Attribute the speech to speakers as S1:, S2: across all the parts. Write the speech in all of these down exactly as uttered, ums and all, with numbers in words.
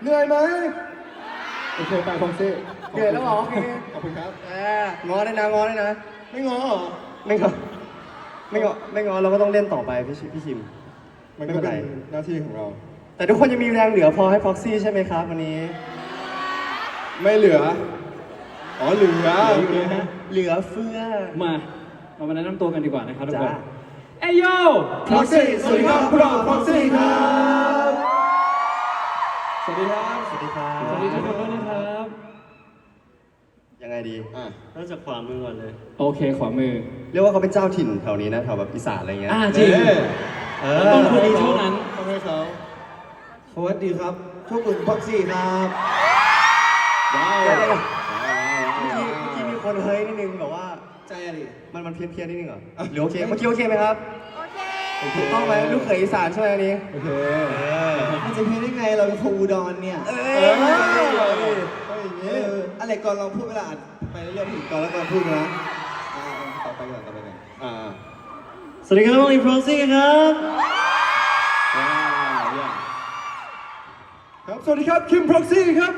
S1: เหนื่อยไหมโอเคไปฟองซี่
S2: เหนื่อยแล้วเหรอโอเค
S1: ขอบคุณครับ
S2: อ่างอได้นะงอได้นะ
S1: ไม่งอเหรอ
S2: ไม่งอไม่งอไม่งอเราก็ต้องเล่นต่อไปพี่ชิพี่ชิม
S1: มัน
S2: ไม่
S1: ก็
S2: เป็น
S1: เป็
S2: ไร
S1: นหน้าที่ของเรา
S2: แต่ทุกคนยังมีแรงเหลือพอให้พ็อกซี่ใช่ไหมครับวันนี้
S1: ไม่เหลืออ๋อเหลือโอเค
S2: เหลือเฟือ
S3: มาเรามาแนะนำตัวกันดีกว่านะครับทุกคน
S2: จ้า
S3: เอ้ยโย
S1: ฟองซี่สวัสดีครับพวกเราฟองซี่ครับ
S3: สวัสดีครับ
S2: สวัสดีครั
S3: สวัสดีทุกคนด้วยนะครับ
S2: ยังไงดี
S1: อ่ะ
S2: เริ่มจากขวามือก่อนเลย
S3: โอเคขวามือ
S2: เรียกว่าเขาเป็นเจ้าถิ่นแถวนี้นะแถวแบบอีสานอะไรเงี้ย
S3: อ่าจริง
S1: เอ๊ะ
S2: เอ
S3: ต้
S2: อ
S3: นทุนดีเท่านั้น
S1: ต้องให้เขา
S2: สวัสดีครับโชคอุ่นพ็อกซี่ครับ
S1: ว้าว
S2: เดี๋ยวเดี๋ยวเมื่อกี้เมื่อกี้มีคนเฮ้ยนิดนึงแบบว่า
S1: ใจอะดิ
S2: มันมันเพี้ยนเพี้ยนนิดนึงเหรอหรือโอเคเมื่อกี้โอเคไหมครับ
S1: โอเค
S2: ถูกต้องไหมลูกเขยอีสานใช่ไหมอันนี้
S1: โอเค
S4: มันจะเพี้ยนได้ไงเราเป็นคนอุดรเนี่ย
S2: เอ
S1: เอ
S2: อ
S1: อต้องอย่าง
S4: เอ
S1: นี้
S4: ออะไรก่อนลองพูดเวลาอ่านไปเรื่อยๆถึงก่อนแล้วก่อนพูดนะอ่าต่อไปก่อนต่อไปก่อน
S1: อ่า
S2: สวัสดีครับน้องอีฟรอซี่ครับ
S1: ว้าวเยี่ยมครับสวัสดีครับคิมพ็อกซี่ครับ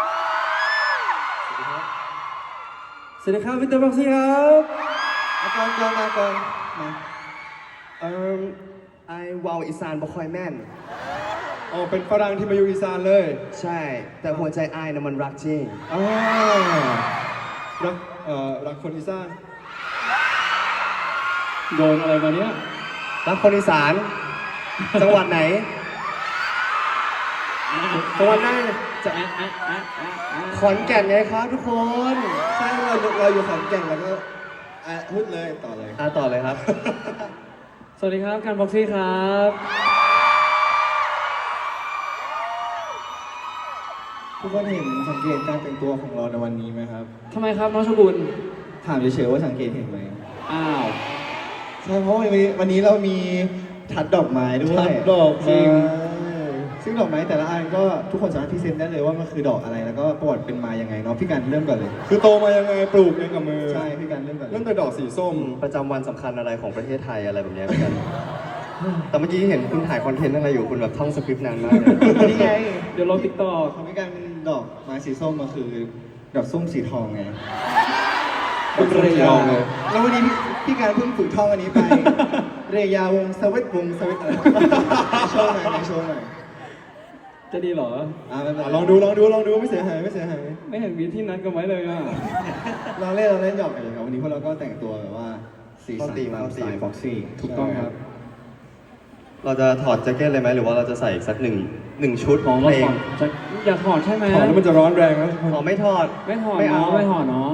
S2: สวัสดีครับวิกเตอร์พ็อกซี่ครับ
S4: เอาก่อนก่อนมาก่อนมา
S2: เอ่อไอวาวอีสานบ่ค่อยแม่น
S1: อ๋อเป็นฝรั่งที่มาอยู่อีสานเลย
S2: ใช่ แต่หัวใจไอายน่ะมันรักจริง
S1: อ่ารักเอ่อรักคนอีสาน
S3: โดนอะไรมาเนี้ย
S2: รักคนอีสาน จังหวัดไหน จังหวัดไหน
S3: จะอ่ะอ่ะอ่ะอ่ะอ่ะ
S2: ขอนแก่นไงครับทุกคน
S4: ใช่เราเราอยู่ขอนแก่นแล้วก็อ่ะพูดเลยต่อเลย
S2: อ่ะต่อเลยครับ
S3: สวัสดีครับการบ็อกซี่ครับ
S4: ทุกคนเห็นสังเกตการแต่งตัวของเราในวันนี้ไหมครับ
S3: ทำไมครับน้องชบุญ
S4: ถามเฉยๆว่าสังเกตเห็นไหม
S3: อ้าว
S4: ใช่เพราะวันนี้วันนี้เรามีทัดดอกไม้ด้วย
S1: ทัดดอกไม้
S4: จริงซึ่งดอกไม้แต่ละอันก็ทุกคนสามารถพรีเซนต์ได้เลยว่ามันคือดอกอะไรแล้วก็ประวัติเป็นมายังไงเนาะพี่กันเริ่มก่อนเลย
S1: คือโตมายังไงปลูกเองกับมือ
S4: ใช่พี่กันเริ่มก่อนเลย
S1: เริ่มแต่ดอกสีส้ม
S2: ประจำวันสำคัญอะไรของประเทศไทยอะไรแบบเนี้ยเหมือนกัน แต่เมื่อกี้เห็นคุณถ่ายคอนเทนต์อะไรอยู่คุณแบบท่องสคริปต์นานมากเลย
S4: นี่ไง
S3: เดี๋ยวลงติ๊กต็อก
S4: ของพี่กันเป็นดอกไม้สีส้มมาคือดอกส้มสีทองไง
S1: เป็นเรยองเลย
S4: แล้ววันนี้พี่พี่การเพิ่งฝึกท่องอันนี้ไป เรยาวงสวิตวงสวิตอะไรโชว์หน่อยในโชว์หน่อย
S3: จะดีเหรอ
S4: อ่าไม่เป็น
S1: อ่ะ
S4: ไร
S1: ลองดูลองดูลองดูไม่เสียหายไม่เสียหาย
S3: ไม่เห็นมีที่นัดกันไว้เลยอ่ะ
S4: ลองเล่นลองเล่นหยอกกันเลยครับวันนี้พวกเราก็แต่งตัวแบบว่าสีสันตามสไตล์ฟ็อกซี่
S3: ถูกต้องครับ
S2: เราจะถอดแจ็คเก็ตเลยไหมหรือว่าเราจะใส่อีกสักหนึ่งหนึ่งชุด
S3: ของ
S2: เพ
S3: เรา
S2: ล
S3: ถ
S2: ง
S3: อดจะอย่าถอดใช่ไหม
S1: ถอดแล้วมันจะร้อนแรงนะทุกคน
S2: อ๋อไม่ถอด
S3: ไม่ถอด
S2: ไม่เอา
S3: เนาะไม่ถอดเนาะ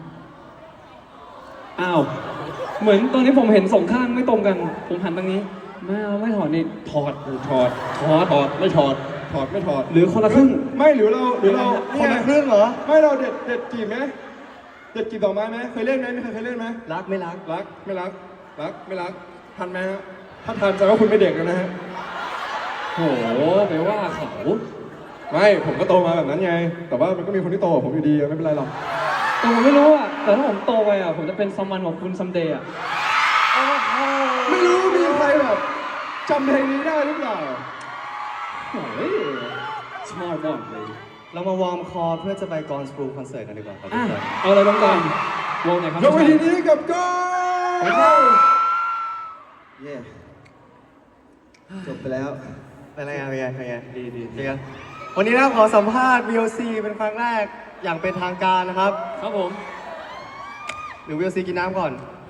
S3: อ้าวเหมือนตอนนี้ผมเห็นสองข้างไม่ตรงกัน ผมหันตรงนี้ไม่เอาไม่ถอดนี่ถอด
S1: ถอด
S3: ถอด
S1: ถอดไม่ถอดถอดไม่ถอด
S3: หรือคนละครึ่ง
S1: ไม่หรือเราหรือเรา
S2: คนละครึ่งเหรอ
S1: ไม่เราเด็ดเด็ดจีบไหมเด็ดจีบดอกไม้ไหมเคยเล่นไหมไม่เคยเคยเล่นไหม
S2: รักไม่รัก
S1: รักไม่รักรักไม่รักทันไหมฮะถ้าทันแสดงว่าคุณไม่เด็กแล้วนะฮะ
S3: โหไปว่าเขา
S1: ไม่ผมก็โตมาแบบนั้นไง แต่ว่ามันก็มีคนที่โตกว่าผมอยู่ดีไม่เป็นไรหรอก
S3: แต่ผมไม่รู้อ่ะแต่ถ้าผมโตไปอ่ะผมจะเป็นซัมมันของคุณซัมเดย์อ่ะ
S1: ไม่รู้มีใครแบบจำเพลงนี้ได้หรือเปล่า
S3: โอ้ยชอบมากเลย
S2: เรามาวอร์มคอเพื่อจะไปกอนสปรูคอนเสิร์ตกันดีกว่าครับทุ
S3: อ่ะ
S2: กคน
S3: เอาอะไรลงก่อนวงไหนครับ
S1: ยกเวทีนี้กับก้อน
S4: เย่จบไปแล้ว
S2: เป็นไงเป็นไงเป็นไง
S3: ดีดี
S2: เป็นไงวันนี้นะขอสัมภาษณ์ วี โอ ซี เป็นครั้งแรกอย่างเป็นทางการนะครับ
S3: ครับผม
S2: หรือ วี โอ ซี กินน้ำก่อน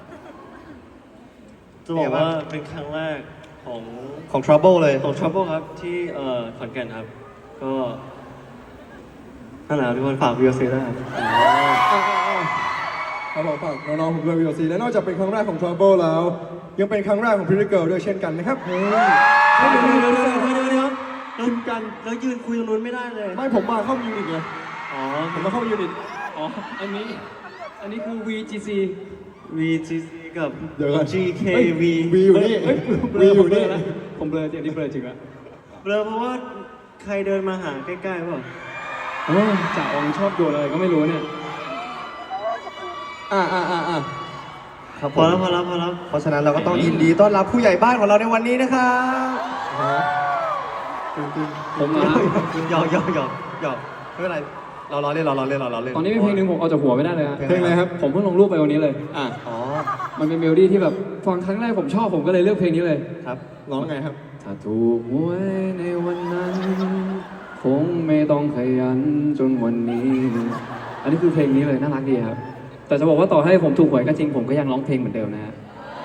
S5: จะบอกว่าเป็นครั้งแรกของ
S2: ของ Trouble เลย
S5: ของ Trouble ครับที่เอ่อขอนแก่นครับ ก็นั่นแหละทุกคนฝากวิวซีด้วยครับ
S1: ครับผมฝากน้องๆผมด้วย วี โอ ซี และนอกจากเป็นครั้งแรกของ Trouble แล้ว ยังเป็นครั้งแรกของ Pretty Girl ด้วยเช่นกันนะครับเฮ้ย
S5: เดี๋ยวเดี๋ยวเดี๋ยวเดี๋ยวเดี๋ยวเดี๋ยวเรากันเรายืนคุยตรงนู้นไม่ได้เลย
S1: ไม่ผมมาเข้ายูนิตไง
S5: อ๋อ
S1: ผมมาเข้ายูนิต
S3: อ๋ออันนี้อันนี้คือ วี จี ซี
S5: วี จี ซี กับ
S1: เดี๋ยวก่อน
S5: จี เค วี
S1: วีอยู่นี่
S3: เฮ้ยเบล
S1: วี
S3: อ
S1: อ
S3: ผม
S1: ยู่
S3: เบล
S1: นี่
S3: อแล้วผมเบลอจริงอันนี้เบลอจริงแล้ว
S5: เบลอเพราะว่าใครเดินมาหาใกล้ๆเปล่า
S3: โอ้จ่าองชอบโยนอะไรก็ไม่รู้เนี่ย
S1: อ่าอ่าอ่าอ่า
S2: ครับ
S5: พ
S2: ผ
S5: อ
S2: ม
S5: แล้วพอแล้วพอแล้ว
S2: เพราะฉะนั้นเราก็ต้องยินดีต้อนรับผู้ใหญ่บ้านของเราในวันนี้นะครับ
S3: ผมมา
S2: หยอกหยอกหยอกหยอกไม่เป็นไรเราล้อเล่นเราล้อเล่นเราล้อเล่น
S3: ตอนนี้มีเพลงหนึ่งผมเอาจากหัวไม่ได้เลยฮะ
S1: เพลงอะไรครับ
S3: ผมเพิ่งลงรูปไปวันนี้เลย
S1: อ่ะ
S2: อ๋อ
S3: มันเป็นเมโลดี้ที่แบบฟังครั้งแรกผมชอบผมก็เลยเลือกเพลงนี้เลย
S2: ครับ
S1: ร้องไงครับ
S3: ถ้าถูกหวยในวันนั้น คงไม่ต้องขยันจนวันนี้ อันนี้คือเพลงนี้เลยน่ารักดีครับ แต่จะบอกว่าต่อให้ผมถูกหวยก็จริงผมก็ยังร้องเพลงเหมือนเดิมนะฮะ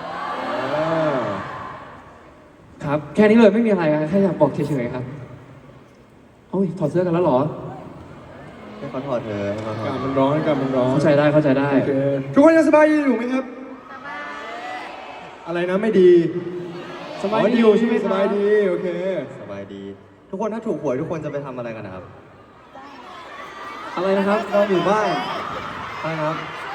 S3: ครับ แค่นี้เลยไม่มีอะไรครับแค่อยากบอกเฉยๆครับโอ้ยถอดเสื้อกันแล้วเหรอ
S2: ให้เขาถอดเธอะให้เขาถอ
S1: กา
S2: ด
S1: รมันร้อนการมันร้อน
S3: เข้าใจได้เข้าใจได้
S1: โอเคทุกคนยังสบายดีอยู่ไหมครับ อะไรนะไม่ดี
S3: สบายดี
S1: อ๋อ
S3: อยู่ใช่ไหมครับ
S1: สบายดีโอเค
S2: สบายดี ทุกคนถ้าถูกหวยทุกคนจะไปทำอะไรกันนะครับ
S3: อะไรนะครับ
S2: นอนอยู่บ้านอะไรนะครับ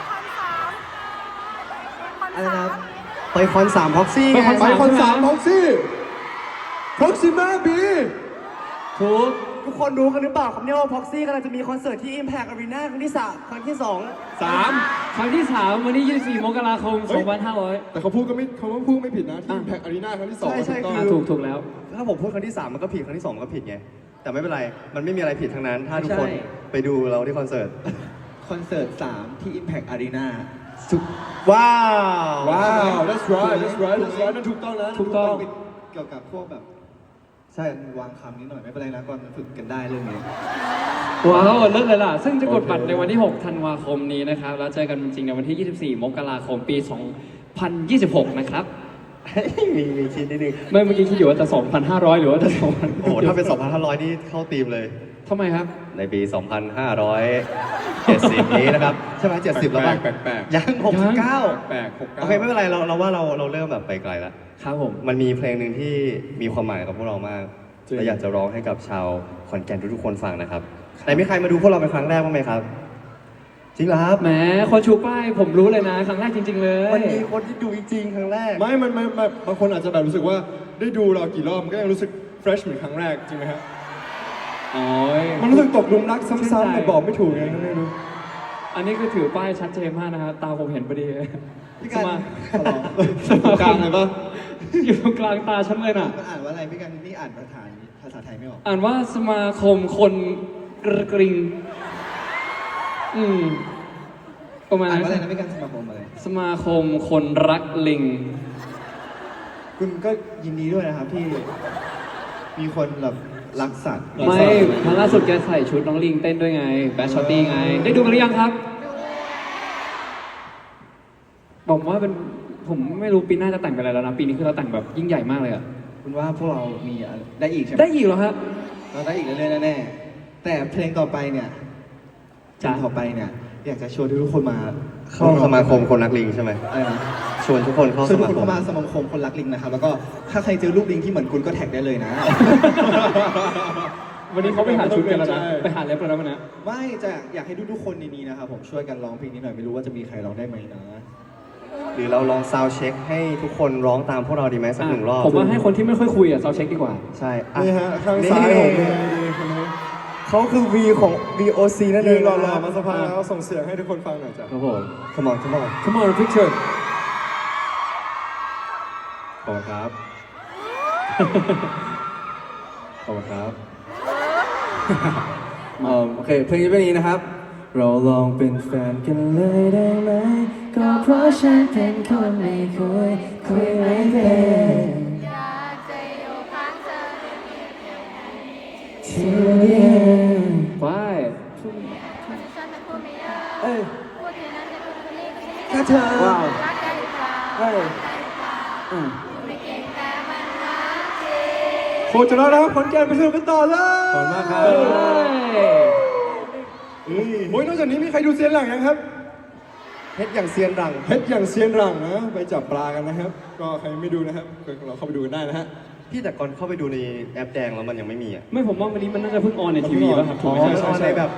S2: อะไรนะครับไปคอนสามพ็อกซี่
S3: ไปคอน
S1: ไป
S3: สาม
S1: คอน
S3: ใช่ไหม
S1: สามพ็อกซี่พ็อกซี่มาบี
S3: ถูก
S5: ทุกคนรู้กันหรือเปล่าครับเนี่ยว่าพ็อกซี่กำลังจะมีคอนเสิร์ตที่ Impact Arena ครั้งที่สามครั้งที่สอง
S1: สาม
S3: ครั้งที่สามวันที่ยี่สิบสี่มกราคมสองพันห้าร้อย
S1: แต่เขาพูดก็ไม่เขาพูดไม่ผิดนะที่แพ็กอารีนาครั้งที่สอง
S2: ใช่ใช่
S1: ถูกต้อง
S3: อ่ะถูกถูกแล้ว
S2: ถ้าผมพูดครั้งที่สามมันก็ผิดครั้งที่สองมันก็ผิดไงแต่ไม่เป็นไรมันไม่มีอะไรผิดทั้งนั้น ถ้าทุกคน
S4: ใช่
S2: ไปดูเราที่คอนเสิร์ต
S4: คอนเสิร์ตสามที่ Impact Arena
S2: ว้าว
S1: ว้าว that's right that's right that's right นั่นถูกต้องนะ
S3: ถูกต้อง
S4: เกี่ยวกับพวกแบบ
S2: ใช่
S4: วางคำนิดหน่อยไม่เป็นไรนะก่อนฝึกกันได้เรื่องนี้
S3: ว้าวเลิศเลยล่ะ ซึ่งจะกดบัตรในวันที่ หก ธันวาคมนี้นะครับ แล้วเจอกันจริงๆในวันที่ ยี่สิบสี่ มกราคม ปี สองพันยี่สิบหก นะครับ
S2: มีมีคิดนิดนึง
S3: ไม่เมื่อกี้คิดอยู่ว่าจะ สองพันห้าร้อย หรือว่าจะ สองพัน
S2: โอ้โหถ้าเป็น สองพันห้าร้อย นี่เข้าธีมเลย
S3: ทำไมครับ
S2: ในปี สองพันห้าร้อยเจ็ดสิบ นี้นะครับ ใช่ไหมเจ็ดสิบแล้วป่ะ
S1: แปลกแปลก
S2: ยังหกสิบเก้า
S1: แปลกหกเก้า
S2: โอเคไม่เป็นไรเราเราว่าเราเราเริ่มแบบไปไกลแล้ว
S3: ครับผม
S2: มันมีเพลงหนึ่งที่มีความหมายกับพวกเรามาก
S1: จริง
S2: และอยากจะร้องให้กับชาวขอนแก่นทุกๆคนฟังนะครับไหนมีใครมาดูพวกเราเป็นครั้งแรกบ้างไหมครับ จริงเหรอครับ
S3: แหมคนชูป้ายผมรู้เลยนะ ครั้งแรกจริง ๆ เลย
S2: มันมีคนที่ดูจริงๆครั้งแรก
S1: ไม่มันมันมันบางคนอาจจะแบบรู้สึกว่าได้ดูเรากี่รอบมันก็ยังรู้สึก fresh เหมือนครั้งแรกจริงไหมครับ
S3: โอ้ย
S1: มันรู้สึกตกหลุมรัก
S3: ชื่นใจ
S1: ซ้ำๆแต่บอกไม่ถูกไงไม่รู้
S3: อันนี้คือถือป้ายชัดเจนมากนะครับ ตาผมเห็นพอดี
S4: พี่กัน
S3: สมา
S4: ขอร้อง
S3: สม
S1: กลางเลยปะ
S3: อยู่ตรงกลางตาฉันเลยน่ะ
S4: มันอ่านว่าอะไรพี่กันนี่อ่านภาษาภาษาไทยไม่ออก
S3: อ่านว่าสมาคมคนกระกริง อืม ประมาณ
S4: อ่าน
S3: นั้น
S4: ว่าอะไรนะพี่กันสมาคมอะไร
S3: สมาคมคนรักลิง
S4: คุณก็ยินดีด้วยนะครับที่มีคนแบบรักสัตว์
S3: ไม่ครั้งล่าสุดแกใส่ชุดน้องลิงเต้นด้วยไง แบชชอตตี้ไง ได้ดูกันหรือยังครับ บอกว่าเป็น ผมไม่รู้ปีหน้าจะแต่งเป็นอะไรแล้วนะ ปีนี้คือเราแต่งแบบยิ่งใหญ่มากเลยอะ
S4: คุณว่าพวกเรามีอะไรได้อีกใช่ไหม
S3: ได้อีกเหรอครับ
S4: เราได้อีกเรื่อยๆแน่ๆแต่เพลงต่อไปเนี่ยเพล
S3: จ้ะ
S4: งต่อไปเนี่ย อยากจะชวนทุกคนมา
S2: เข้าสมาคมคนรักลิงใช่ไหม
S4: อะไรนะ
S2: ชวนทุกคนเข้า
S4: ชวน
S2: ส
S4: ทุก
S2: มา
S4: คน
S2: คม
S4: เข้ามาสมาคมคนรักลิงนะครับ แล้วก็ถ้าใครเจอรูปลิงที่เหมือนคุณก็แท็กได้เลยนะ
S3: วันนี้เขาไปหาชุดกันแล้วนะ ไปหาเล็บกันแล้วนะ
S4: ไม่จะอยากให้ทุกๆคนในนี้นะครับผมช่วยกันร้องเพลงนี้หน่อยไม่รู้ว่าจะมีใครร้องได้ไหมนะ
S2: หรือเราลองซาวด์เช็คให้ทุกคนร้องตามพวกเราดีไหมสักหนึ่งรอบ
S3: ผมว่าให้คนที่ไม่ค่อยคุยอะเราเช็คดีกว่า
S2: ใช่อ่
S1: นี่ฮะข้างซ้ายผมเลยดีคนนี้
S2: เขาคือ V ของ V O C นั่นเอ
S1: ยื
S2: ง
S1: นรอๆมาสักพักแล้วส่งเสียงให้ทุกคนฟังหน่อยจ้ะ
S3: ครับผม
S2: Come on Come on
S3: Come on picture
S2: ขอบคุณครับ ขอบคุณครับ
S5: เอ่อโอเค เพลงนี้เป็นอย่างนี้นะครับ เราลองเป็นแฟนกันเลยได้ไหม ก็เพราะฉันเป็นคนไม่คุย คุยไม่เป็น
S6: อยากจะอยู่ข้างเธอ
S5: ที่เดียว
S3: ไป
S6: คนที่ฉันเป็นผู้ไม่เยอะ
S5: เอ้ย
S6: พูดอย่างนั้นจะเป็นคนนี้ก็ไม่
S5: แค่เธอ ว้าว
S6: รักกันหรือเปล่า
S5: เฮ้ย
S6: รักกันหรือเปล่า
S5: อืม
S6: ไม่เก่งแต่มันรักจริง
S1: โคจรแล้วนะครับขอนแก่นไปสนุกกันต่อเลย
S5: ขอบคุณมากครับ
S1: โอ้ยนอกจากนี้มีใครดูเซียนหลังยังครับ
S2: เพชรอย่างเซียนรัง
S1: เพชรอย่างเซียนหลังนะไปจับปลากันนะครับ ก็ใครไม่ดูนะครับเราเข้าไปดูกันได้นะฮะ
S2: พี่แต่ก่อนเข้าไปดูในแอปแดงแล้วมันยังไม่มีอ่ะ
S3: ไม่ผมว่าวันนี้มันน่าจะเพิ่งออนในทีวีป่ะครับถูกไหม
S1: ใช่
S3: ใช่
S1: ใช่
S2: ในแบบ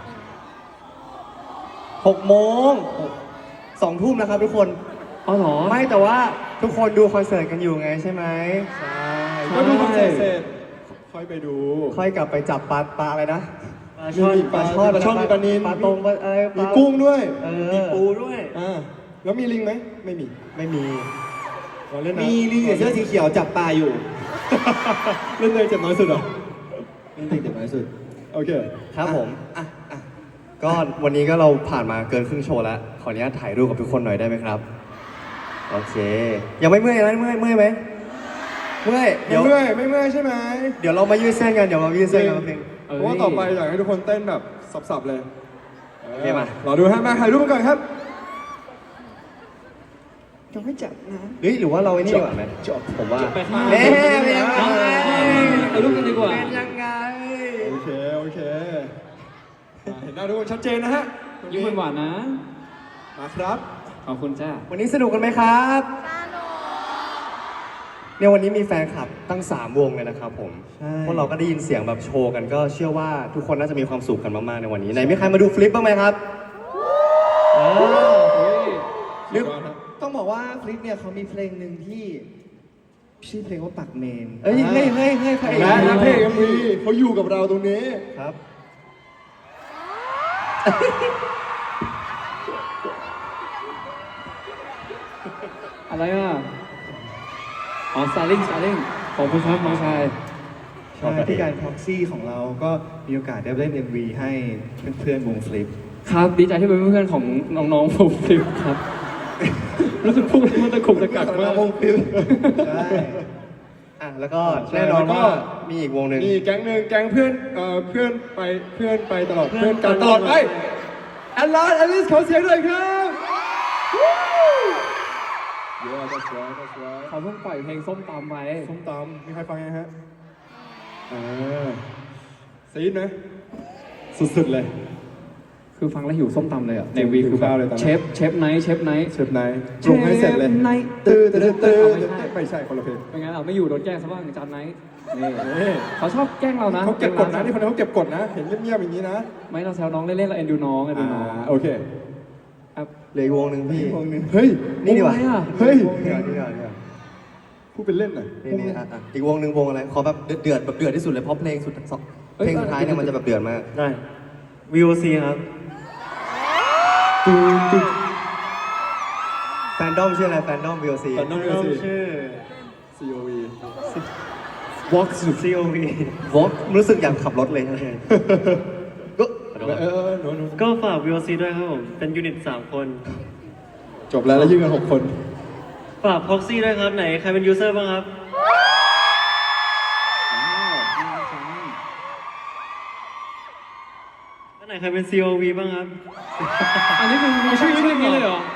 S2: หกโมงสองทุ่มนะครับทุกคน
S3: อ๋อเหรอ
S2: ไม่แต่ว่าทุกคนดูคอนเสิร์ตกันอยู่ไงใช่ไหม
S1: ใช่ก็ดูคอนเสิร์ตเสร็จค่อยไปดู
S2: ค่อยกลับไปจับปลาปลาอะไรนะ
S1: มีปลาช่อนปลาช่อนมีปลานิล
S2: ปลาตรงปลาอะไรปลา
S1: มีกุ้งด้วย
S2: เออ
S5: มีปูด้วย
S1: อ่าแล้วมีลิงไหมไม่มี
S2: ไม่มี
S1: เราเล่นนะ
S4: มีลิงกับเสื้อสีเขียวจับปลาอยู่
S1: เล่นเลยเจ็บน้อยสุดเหรอ
S4: ยังติดเด็กน้อยสุด
S1: โอเค
S2: ครับผม
S4: อ่ะอ่ะ
S2: ก็วันนี้ก็เราผ่านมาเกินครึ่งโชว์แล้ว ขออนุญาตถ่ายรูปกับทุกคนหน่อยได้ไหมครับ โอเค ยังไม่เมื่อยนะเมื่อยเมื่อยไหมเมื่อย
S1: ไม่
S2: เดี๋ยว
S1: เมื่อยไม่เมื่อยใช่ไหม
S2: เดี๋ยวเรามายืดเส้นกัน เดี๋ยวเรามายืดเส้นกันแป๊บนึง
S1: เพราะว่าต่อไปอยากให้ทุกคนเต้นแบบสับๆเลย
S2: โอเคมา
S1: รอดูฮะมาถ่ายรูปกันก่อนครับ
S4: ยังไม่จับนะ
S2: เฮ้ยหรือว่าเราไอ้นี่ดีกว่าไหมจบผมว่า
S3: ไปข้างหน้า
S2: เอ๊ะเป็นยังไง
S3: ไปรูปกันดีกว่า
S2: เป็นยังไง
S1: โอเค โอเคอ่าเห็นหน้าทุกคนชัดเจนนะฮะ
S3: ยิ้มหวานๆนะ
S1: มาครับ
S3: ขอบคุณจ้า
S2: วันนี้สนุกกันไหมครับเนี่ยวันนี้มีแฟนคลับตั้งสามวงเลยนะครับผม
S4: ใช่
S2: พวกเราก็ได้ยินเสียงแบบโชว์กันก็เชื่อว่าทุกคนน่าจะมีความสุขกันมากๆในวันนี้ไหนมีใครมาดูฟลิปบ้างไหมครับเออ
S1: เรียกว่าครับ
S4: ต้องบอกว่าฟลิปเนี่ยเขามีเพลงหนึ่งที่ชื่อเพลงว่าปักเมน
S2: เอ้ยเฮ้ยเฮ้ยเฮ้ยใคร
S1: และนักเพลงเอ็มวีเขาอยู่กับเราตรงนี้
S2: ครับ
S3: อะไรอ่ะ อ๋อสไตลิ่งสไตลิ่งขอบคุณครับน้องชาย
S4: ใช่ที่การพ็อกซี่ของเราก็มีโอกาสได้เล่น เอ็ม วี ให้เพื่อนๆวงฟลิป
S3: ครับดีใจที่เป็นเพื่อนๆของน้องๆผมคลิปครับ รู้สึกพูดแล้วมันตะกุกตะกักมาก
S4: วงฟลิปใช่
S2: อ่ะแล้วก็
S1: ใช่
S2: แน่นอน
S1: แล้วก็
S2: ว่ามีอีกวงหนึ่ง
S1: นี่แก๊งหนึ่งแก๊งเพื่อนเอ่อเพื่อนไปเพื่อนไปตลอดเพื่อนกันตลอดไปแอลลาแอลิสขอเสียงหน่อยครับเยอะ that's right that's right
S3: เขาเพิ่งปล่อยเพลงส้มตำไป
S1: ส้มตำมีใครฟังยังฮะอ่าซีดไหมสุดๆเลย
S3: คือฟังแล้วหิวส้มตำเลยอ่ะ
S1: จริ
S3: ใน
S1: ง
S3: วี
S1: หิว
S3: คือแบ
S1: ข้า
S3: บ
S1: วเลยตอนนั้น
S3: เชฟเชฟไนท์เชฟไนท์
S1: เชฟไนท์ปรุงให้เสร็จเลย
S3: เชฟไนท์
S1: ตื้อตื้อตื้อ
S3: ไม่ใช่
S1: ไม่ใช่คนละเพลง
S3: เป็นไงล่ะไม่อยู่โดนแกล้งซะบ้างจานไนท์นี่
S1: นี่
S3: เขาชอบแกล้งเรานะ
S1: เขาเก็บกดนะนี่คนนี้เขาเก็บกดนะ เห็นเงียบๆอย่างนี้นะ
S3: ไม่เราแซวน้องเล่นๆเราเอ็นดูน้องเอ็นดูน้อง
S1: อ่าโอเค
S3: ครับ
S2: เหลืออีกวงหนึ่งพี่
S4: วงหนึ่ง
S1: เฮ้ย
S2: นี่ดีกว่า
S3: โอ้ยอะ
S1: เฮ้ย
S2: นี่ดีกว่านี่ดีกว่านี่ดีกว่า
S1: พูดเป็นเล่นหน่อย
S2: นี่นี่อ่ะอ่ะอีกวงหนึ่งวงอะไร ขอแบบเดือดๆแบบเดือดที่สุดเลยเพราะเพลงสุดสองเพลงสุดท้ายเนี่ยมันจะแบบเดือดมาก
S5: ได้ วี โอ ซี ครับ
S2: แฟนดอมชื่ออะไร แฟนดอม วี โอ ซี
S1: แฟนดอม
S5: น้องชื่อ
S1: ซี โอ วี
S2: Vox
S5: ซี โอ วี
S2: Vox รู้สึกอยากขับรถเลยครับก็
S1: เออเออหนูหนู
S5: ก็ฝาก วี โอ ซี ด้วยครับผม เป็นยูนิตสามคน
S1: จบแล้วแล้วยืนกันหกคน
S5: ฝาก Proxy ด้วยครับ ไหน ใครเป็นยูเซอร์บ้างครับ แล้วไหนใครเป็น ซี โอ วี บ้างครับ
S3: อันนี้คือมีชื่อชื่ออย่างนี้เลยเหรอ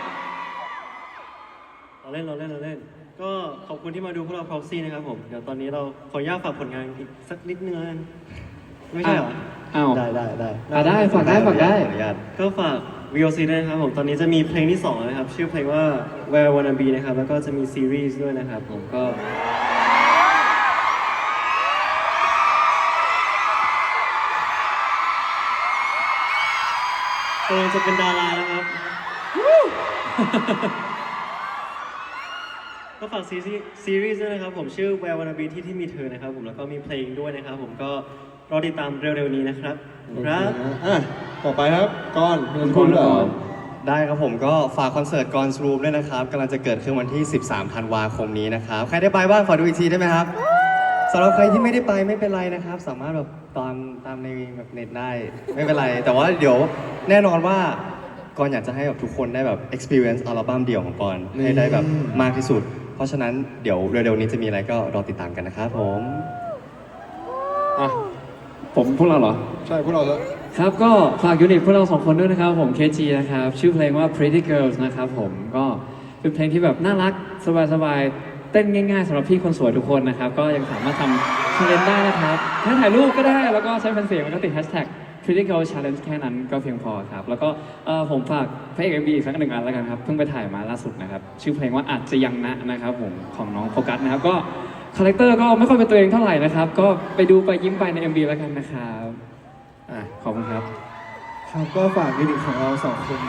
S5: เราเล่นเราเล่นเราเล่น ก็ขอบคุณที่มาดูพวกเรา Proxy นะครับผม เดี๋ยวตอนนี้เราขออนุญาตฝากผลงานอีกสักนิดนึงแล้วกันไม่ใช่เหรอ
S3: อ้าว
S2: ได้ได้ได้
S3: อ่ะได้ฝากได้ฝากได้
S2: ขออนุญาต
S5: ก็ฝาก วี โอ ซี ด้วยนะครับผม ตอนนี้จะมีเพลงที่สองนะครับ ชื่อเพลงว่า Where Wanna Be นะครับ แล้วก็จะมีซีรีส์ด้วยนะครับผมก็กำลังจะเป็นดาราแล้วครับ ก็ฝากซีรีส์ซีรีส์ด้วยนะครับผมชื่อ Where Wanna Be ที่ที่มีเธอนะครับผมแล้วก็มีเพลงด้วยนะครับผมก็รอติดตามเร็วๆนี้นะครับครับ
S1: อ่ะต่อไปครับก้อนมีอะไรจะพูดหรือเปล่า
S2: ได้ครับผมก็ฝากคอนเสิร์ตกอนสรูมด้วยนะครับกำลังจะเกิดขึ้นวันที่ สิบสาม ธันวาคมนี้นะครับ ใครได้ไปบ้างขอดูอีกทีได้ไหมครับสำหรับใครที่ไม่ได้ไปไม่เป็นไรนะครับ สามารถแบบตามตามในแบบเน็ตได้ไม่เป็นไร แต่ว่าเดี๋ยวแน่นอนว่าก่อนอยากจะให้แบบทุกคนได้แบบ experience อัลบั้มเดี่ยวของก่อนให้ได้แบบมากที่สุด เพราะฉะนั้นเดี๋ยวเร็วๆนี้จะมีอะไรก็รอติดตามกันนะครับผม
S1: อ่ะ
S3: ผมพวกเราเหรอ
S1: ใช่พวกเราแล้ว
S3: ครับก็ฝากยูนิตพวกเราสองคนด้วยนะครับผม เค จี นะครับ ชื่อเพลงว่า Pretty Girls นะครับผมก็เป็นเพลงที่แบบน่ารักสบายๆ เต้นง่ายๆสำหรับพี่คนสวยทุกคนนะครับ ก็ยังสามารถทำ challenge ได้นะครับแค่ถ่ายรูปก็ได้แล้วก็ใช้แผ่นเสียงแล้วก็ติด hashtag Pretty Girls Challenge แค่นั้นก็เพียงพอครับ แล้วก็เอ่อผมฝากพระเอก เอ็ม วี อีกสักหนึ่งอันแล้วกันครับเพิ่งไปถ่ายมาล่าสุดนะครับชื่อเพลงว่าอาจจะยังนะนะครับผมของน้องโฟกัสนะครับก็คาแรคเตอร์ก็ไม่ค่อยเป็นตัวเองเท่าไหร่นะครับก็ไปดูไปยิ้มไปใน เอ็ม วี แล้วกันนะครับอ่ะขอบคุณครับ
S4: ครับก็ฝากยูนิตของเราสองคน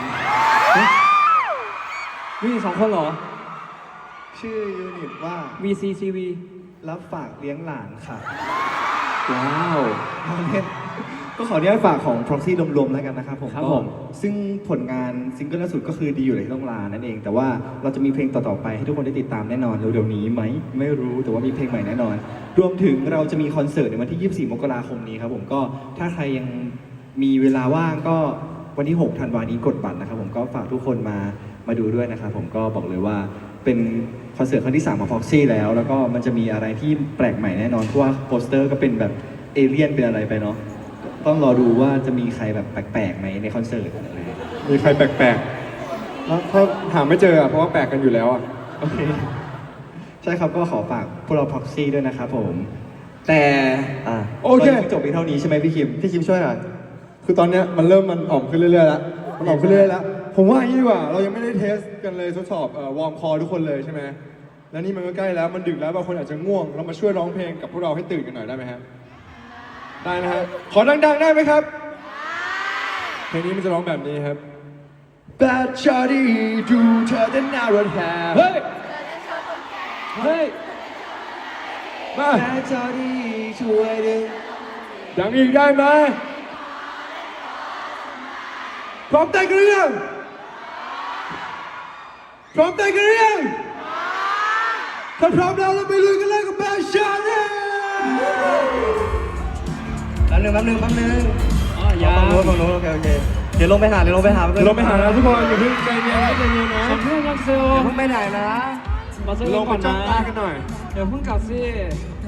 S3: มีสองคนเหรอ
S4: ชื่อยูนิตว่า
S3: วี ซี ซี วี
S4: รับฝากเลี้ยงหลานค่ะ
S3: ว้าว
S4: เอาเล่นก็ขออนุญาตฝากของ Proxy รวมๆแล้วกันนะครับผม
S3: ครับ
S4: ก็
S3: ผม
S4: ซึ่งผลงานซิงเกิลล่าสุดก็คือดีอยู่ในที่ต้องลานั่นเอง แต่ว่าเราจะมีเพลงต่อๆไปให้ทุกคนได้ติดตามแน่นอนเร็วๆนี้ไหมไม่รู้แต่ว่ามีเพลงใหม่แน่นอนรวมถึงเราจะมีคอนเสิร์ตในวันที่ ยี่สิบสี่ มกราคมนี้ครับผมก็ถ้าใครยังมีเวลาว่างก็วันที่ หก ธันวาคมนี้กดบัตรนะครับผมก็ฝากทุกคนมามาดูด้วยนะครับผมก็บอกเลยว่าเป็นคอนเสิร์ตครั้งที่สามของ Foxy แล้ว แล้วก็มันจะมีอะไรที่แปลกใหม่แน่นอนเพราะว่าโปสเตอร์ก็เป็นแบบเอเลี่ยนเป็นอะไรไปเนาะต้องรอดูว่าจะมีใครแบบแปลกๆไหมในคอนเสิร์ตอะไรอย่างเงี้ย
S1: มีใครแปลกๆแล้วถ้าหาไม่เจออ่ะเพราะว่าแปลกกันอยู่แล้วอ่ะ
S4: โอเค ใช่ครับก็ขอฝากพวกเรา Proxy ด้วยนะครับผม แต่
S2: อ่ะ
S1: โอเค
S4: ตนนี้จบเพียงเท่านี้ใช่ไหมพี่คิม
S2: พี่คิมช่วยหน่อย
S1: คือตอนเนี้ยมันเริ่มมันอ่อมขึ้นเรื่อยๆแล้วมันอ่อมขึ้นเรื่อยๆแล้ว ผมว่าอย่างนี้ดีกว่า เรายังไม่ได้เทสกันเลยทดสอบเอ่อวอร์มคอทุกคนเลยใช่ไหมแล้วนี่มันก็ใกล้แล้ว มันดึกแล้วบางคนอาจจะง่วง เรามาช่วยร้องเพลงกับพวกเราให้ตื่นกันหน่อยได้ไหมครับ ได้นะฮะ ขอดังๆได้ไหมครับ เพลงนี้มันจะร้องแบบนี้ครับ Bad Shawty ดูเธอได้น่ารถแห่
S3: เฮ้ย เฮ้ย
S1: มา
S4: แม่จอดีช่วยดึง
S1: ดังอีกได้ไหมพร้อมเต้นกันหรือยังพร้อมเต้นกันหรือยังถ้าพร้อมแล้วเราไปลุยกันเลยกับ Bad Shawty
S2: แป๊บนึงแป๊บนึงแป๊บนึง
S3: อ๋อยัง
S2: ฝั่งโน้นฝั่งโน้นโอเคโอเคเดี๋ยวลงไปหาเดี๋ยวลงไปหาแป๊บนึง
S1: เราไปหานะทุกคนอย่าเพิ่งใจเย็นนะใจเย็นนะ
S3: เพื่อนรักเซล
S2: อย่าเพิ่งไปไหนนะ
S3: มาซื้อ
S1: ลงไป
S3: ก่อน
S1: จ้อง
S3: นะ
S1: ตากันหน่อย
S3: เดี๋ยวเพิ่งกลับสิ